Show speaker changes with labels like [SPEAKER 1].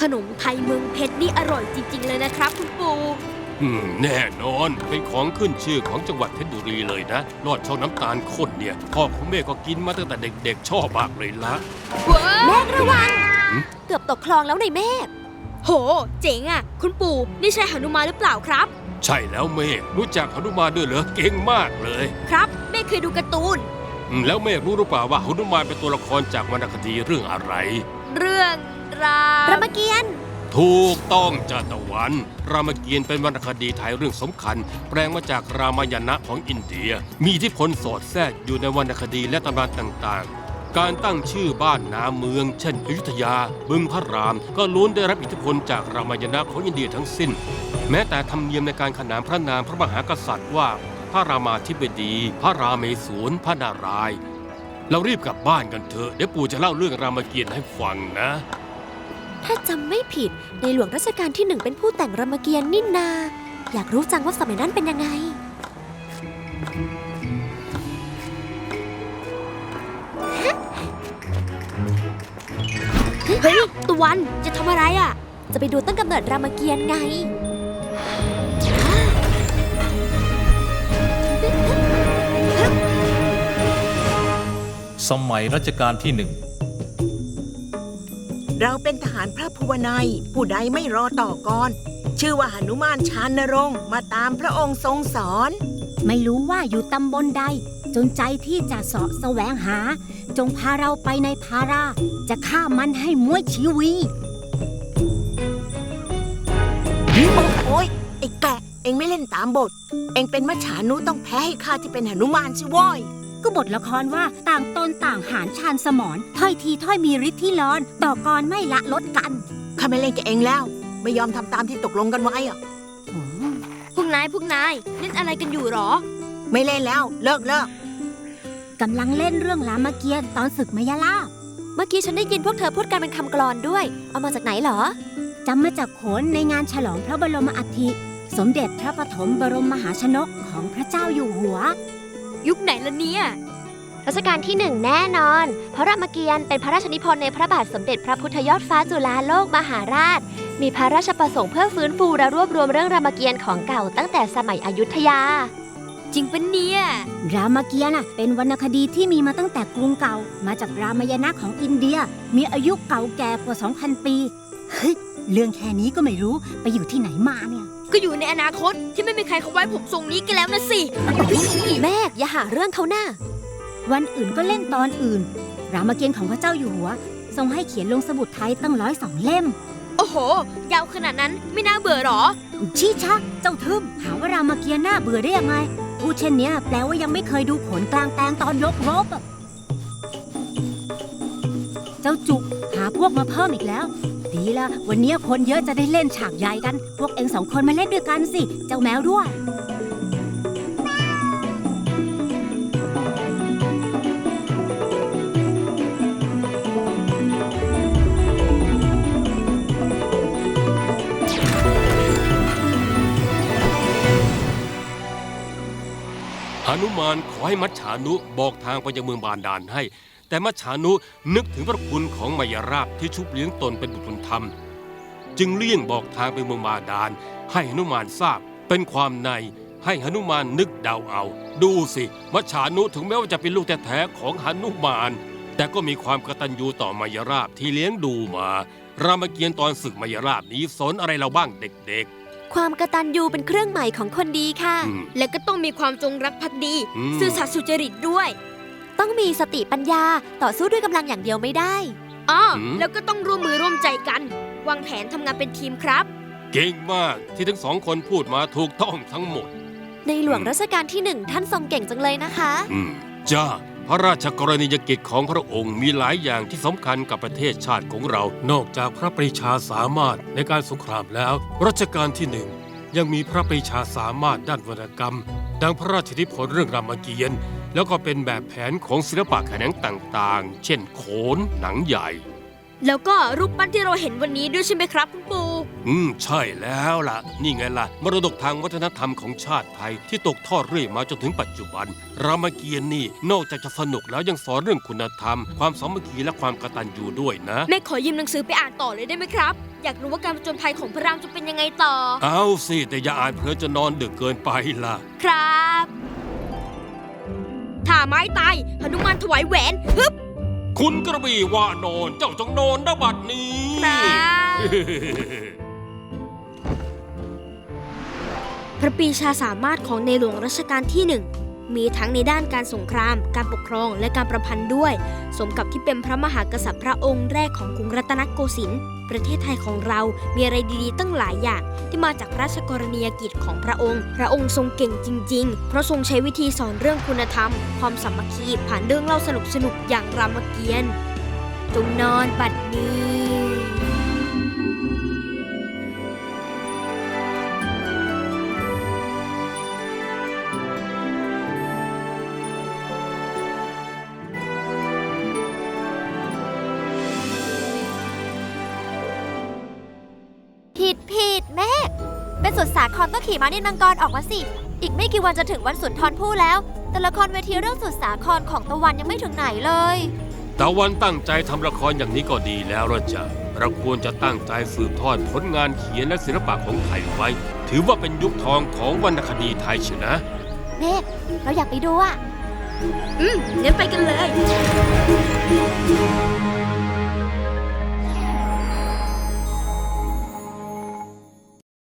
[SPEAKER 1] นมไทยเมืองเพชรนี่อร่อยจริงๆเลยนะครับคุณปู่
[SPEAKER 2] แน่นอนเป็นของขึ้นชื่อของจังหวัดเพชรบุรีเลยนะลอดช่องน้ำตาลข้นเนี่ยพ่อของเมฆก็กินมาตั้งแต่เด็กๆชอบมากเลยละ
[SPEAKER 1] เมฆระวังเกือบตกคลองแล้วในเมฆโหเจ๋งอ่ะคุณปู่นี่ใช่หนุมานหรือเปล่าครับ
[SPEAKER 2] ใช่แล้วเมฆรู้จักหนุมานด้วยเหรอเก่งมากเลย
[SPEAKER 1] ครับเมฆเคยดูการ์ตูน
[SPEAKER 2] แล้วเมฆรู้หรือเปล่าว่าหนุมานเป็นตัวละครจากวรรณคดีเรื่องอะไร
[SPEAKER 1] เรื่องรามเกียรติ์
[SPEAKER 2] ถูกต้องจ้าตะวันรามเกียรติ์เป็นวรรณคดีไทยเรื่องสำคัญแปลงมาจากรามายณะของอินเดียมีอิทธิพลสอดแทรกอยู่ในวรรณคดีและตำนานต่างๆการตั้งชื่อบ้านนาเมืองเช่นอยุธยาบึงพระรามก็ล้วนได้รับอิทธิพลจากรามายณะของอินเดียทั้งสิ้นแม้แต่ธรรมเนียมในการขนานพระนามพระมหากษัตริย์ว่าพระรามาธิบดีพระราเมศวรพระนารายณ์เรารีบกลับบ้านกันเถอะเดี๋ยวปู่จะเล่าเรื่องรามเกียรติ์ให้ฟังนะ
[SPEAKER 1] ถ้าจำไม่ผิดในหลวงรัชกาลที่1เป็นผู้แต่งรามเกียรติ์นี่นาอยากรู้จังว่าสมัยนั้นเป็นยังไงเฮ้ยตะวันจะทำอะไรอ่ะจะไปดูต้นกำเนิดรามเกียรติ์ไง
[SPEAKER 3] สมัยรัชกาลที่ 1
[SPEAKER 4] เราเป็นทหารพระภูวนัยผู้ใดไม่รอต่อกรชื่อว่าหนุมานชานรงค์มาตามพระองค์ทรงสอน
[SPEAKER 5] ไม่รู้ว่าอยู่ตำบลใดจนใจที่จะเสาะแสวงหาจงพาเราไปในภาราจะฆ่ามันให้ม้วยชีวี
[SPEAKER 4] โอ้ยไอ้แกะเอ็งไม่เล่นตามบทเอ็งเป็นมัจฉานุต้องแพ้ให้ข้าที่เป็นหนุมานสิว้อย
[SPEAKER 5] ก็บทละครว่าต่างตนต่างหารชาญสมรถ้อยทีถ้อยมีฤทธิ์ที่ร้อนต่อกรไม่ละลดกัน
[SPEAKER 4] ข้าไม่เล่นกับเอ็งแล้วไม่ยอมทำตามที่ตกลงกันไว้อะ
[SPEAKER 1] พวกนายเล่นอะไรกันอยู่หรอ
[SPEAKER 4] ไม่เล่นแล้วเลิก
[SPEAKER 5] กำลังเล่นเรื่องรามเกียรติ์ตอนศึกมยาลาภ
[SPEAKER 1] เมื่อกี้ฉันได้ยินพวกเธอพูดกันเป็นคำกลอนด้วยเอามาจากไหนหรอ
[SPEAKER 5] จำมาจากโขนในงานฉลองพระบรมอัฐิสมเด็จพระปฐมบรมมหาชนกของพระเจ้าอยู่หัว
[SPEAKER 1] ยุคไหนละเนี่ย
[SPEAKER 6] รัชกาลที่1แน่นอนเพราะรามเกียรติ์เป็นพระราชนิพนธ์ในพระบาทสมเด็จพระพุทธยอดฟ้าจุฬาโลกมหาราชมีพระราชประสงค์เพื่อฟื้นฟูและรวบรวมเรื่องรามเกียรติ์ของเก่าตั้งแต่สมัยอยุธยา
[SPEAKER 1] จริงปะเนี่ย
[SPEAKER 5] รามเกียรติ์เป็นวรรณคดีที่มีมาตั้งแต่กรุงเก่ามาจากรามายณะของอินเดียมีอายุเก่าแก่กว่า 2,000 ปีเฮ้ยเรื่องแค่นี้ก็ไม่รู้ไปอยู่ที่ไหนมาเนี่ย
[SPEAKER 1] ก็อยู่ในอนาคตที่ไม่มีใครเขาไว้ผมทรงนี้กันแล้วนะสิแม่อย่าหาเรื่องเขาหน้า
[SPEAKER 5] วันอื่นก็เล่นตอนอื่นรามเกียรติ์ของพระเจ้าอยู่หัวทรงให้เขียนลงสมุดไทยตั้ง102 เล่ม
[SPEAKER 1] โอ้โหยาวขนาดนั้นไม่น่าเบื่อหรอ
[SPEAKER 5] ชี้ชักเจ้าทึมหาว่ารามเกียรติ์น่าเบื่อได้ยังไงพูดเช่นนี้แปลว่ายังไม่เคยดูโขนกลางแปลงตอนยกรบเจ้าจุกหาพวกมาเพิ่มอีกแล้วดีละวันนี้คนเยอะจะได้เล่นฉากใหญ่กันพวกเอ็ง2 คนมาเล่นด้วยกันสิเจ้าแมวด้วย
[SPEAKER 2] หนุมานขอให้มัจฉานุบอกทางไปยังเมืองบาดาลให้แต่มัจฉานุนึกถึงพระคุณของมายราบที่ชุบเลี้ยงตนเป็นบุตรบุญธรรมจึงเลี่ยงบอกทางไปเมืองบาดาลให้หนุมานทราบเป็นความในให้หนุมานนึกเดาเอาดูสิมัจฉานุถึงแม้ว่าจะเป็นลูกแท้ๆของหนุมานแต่ก็มีความกตัญญูต่อมายราบที่เลี้ยงดูมารามเกียรติ์ตอนศึกมายราบนี้สอนอะไรเราบ้างเด็กๆ
[SPEAKER 1] ความกตัญญูเป็นเครื่องหมายของคนดีค่ะและก็ต้องมีความจงรักภักดีซื่อสัตย์สุจริตด้วยต้องมีสติปัญญาต่อสู้ด้วยกำลังอย่างเดียวไม่ได้แล้วก็ต้องร่วมมือร่วมใจกันวางแผนทำงานเป็นทีมครับ
[SPEAKER 2] เก่งมากที่ทั้ง2 คนพูดมาถูกต้องทั้งหมด
[SPEAKER 1] ในหลวงรัชกาลที่1ท่านทรงเก่งจังเลยนะคะ
[SPEAKER 2] จ้าพระราชกรณียกิจของพระองค์มีหลายอย่างที่สำคัญกับประเทศชาติของเรานอกจากพระปรีชาสามารถในการสงครามแล้วรัชกาลที่1ยังมีพระปรีชาสามารถด้านวรรณกรรมดังพระราชนิพนธ์เรื่องรามเกียรติ์แล้วก็เป็นแบบแผนของศิลปะแขนงต่างๆเช่นโขนหนังใหญ่
[SPEAKER 1] แล้วก็รูปปั้นที่เราเห็นวันนี้ด้วยใช่ไหมครับคุณปู่
[SPEAKER 2] ใช่แล้วล่ะ นี่ไงล่ะ มรดกทางวัฒนธรรมของชาติไทยที่ตกทอดเรื่อยมาจนถึงปัจจุบัน รามเกียรติ์นี่นอกจากจะสนุกแล้วยังสอนเรื่องคุณธรรม ความสามัคคีและความกตัญญูด้วยนะ
[SPEAKER 1] แม่ขอยืมหนังสือไปอ่านต่อเลยได้ไหมครับ อยากรู้ว่าการผจญภัยของพระรามจะเป็นยังไงต่อ
[SPEAKER 2] เอาสิแต่อย่าอ่านเพลินจะนอนดึกเกินไปล่ะ
[SPEAKER 1] ครับถ้าไม้ตายหนุมานถวายแหวนฮึบ
[SPEAKER 2] คุณกระบี่ว่านอนเจ้าจงนอนนะบัดนี้
[SPEAKER 1] ครับ พระปรีชาสามารถของในหลวงรัชกาลที่หนึ่งมีทั้งในด้านการสงคราม การปกครองและการประพันธ์ด้วย สมกับที่เป็นพระมหากษัตริย์พระองค์แรกของกรุงรัตนโกสินทร์ประเทศไทยของเรามีอะไรดีๆตั้งหลายอย่างที่มาจากพระราชกรณียกิจของพระองค์ทรงเก่งจริงๆเพราะทรงใช้วิธีสอนเรื่องคุณธรรมความสามัคคีผ่านเรื่องเล่าสนุกๆอย่างรามเกียรติ์จงนอนบัดนี้
[SPEAKER 6] ผิดแม่เป็นสุดสาครก็ขี่ม้านินมังกรออกมาสิ อีกไม่กี่วันจะถึงวันสุนทรภู่แล้ว แต่ละครเวทีเรื่องสุดสาครของตะวันยังไม่ถึงไหนเลย
[SPEAKER 2] ตะวันตั้งใจทำละครอย่างนี้ก็ดีแล้วละจ้ะเราควรจะตั้งใจสืบทอดผลงานเขียนและศิลปะของไทยไว้ ถือว่าเป็นยุคทองของวรรณคดีไทยเชียวนะ
[SPEAKER 6] เมฆเราอยากไปดูอะ
[SPEAKER 1] งั้นไปกันเลย